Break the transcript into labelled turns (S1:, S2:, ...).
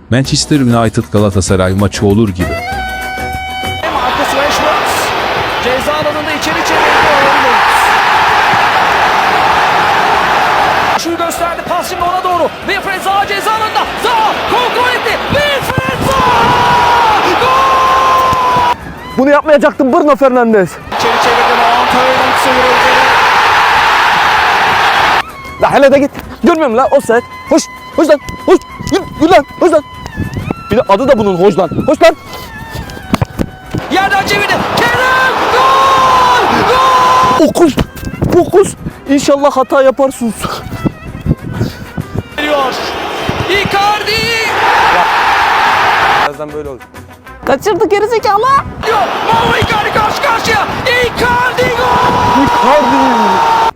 S1: Manchester United Galatasaray maçı olur gibi.
S2: Marcus Rashford ceza alanında içeri çevirdi. Şu gösterdi, pas şimdi ona doğru. Wilfried Zaha ceza alanında. Zaha kontrol etti. Wilfried Zaha! Gol!
S3: Bunu yapmayacaktın Bruno Fernandes.
S2: İçeri çevirdi. Mount Hurling sıyrıldı.
S3: La hele de git. Görmüyor musun la offside? Hoş. Hoş lan. Hoş. Yürü lan. Hoş lan. Bir de adı da bunun hoş lan. Hoş lan.
S2: Yerden çevirdi. Kerem! Gol! Gol!
S3: Okuz. Okuz. İnşallah hata yaparsınız.
S2: Geliyor. Icardi!
S3: Birazdan böyle olur.
S4: Kaçırdı gerizekalı.
S2: Diyor. Mauro Icardi karşı karşıya. Icardi gol!
S3: Icardi.